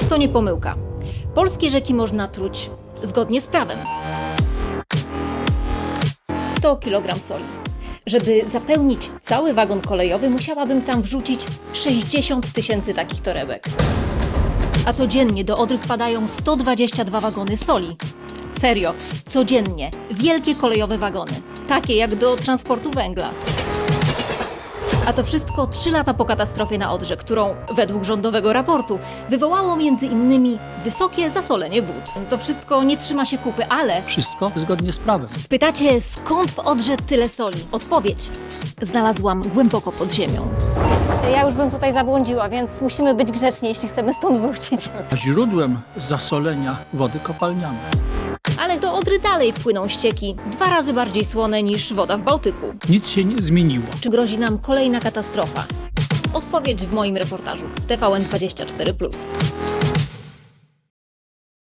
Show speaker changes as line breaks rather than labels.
To nie pomyłka. Polskie rzeki można truć zgodnie z prawem. To kilogram soli. Żeby zapełnić cały wagon kolejowy, musiałabym tam wrzucić 60 000 takich torebek. A codziennie do Odry wpadają 122 wagony soli. Serio, codziennie. Wielkie kolejowe wagony. Takie jak do transportu węgla. A to wszystko 3 lata po katastrofie na Odrze, którą według rządowego raportu wywołało m.in. wysokie zasolenie wód. To wszystko nie trzyma się kupy, ale
Wszystko zgodnie z prawem.
spytacie, skąd w Odrze tyle soli? Odpowiedź znalazłam głęboko pod ziemią.
Ja już bym tutaj zabłądziła, więc musimy być grzeczni, jeśli chcemy stąd wrócić.
A źródłem zasolenia wody kopalniane.
Ale do Odry dalej płyną ścieki 2 razy bardziej słone niż woda w Bałtyku.
Nic się nie zmieniło.
Czy grozi nam kolejna katastrofa? Odpowiedź w moim reportażu w TVN24+.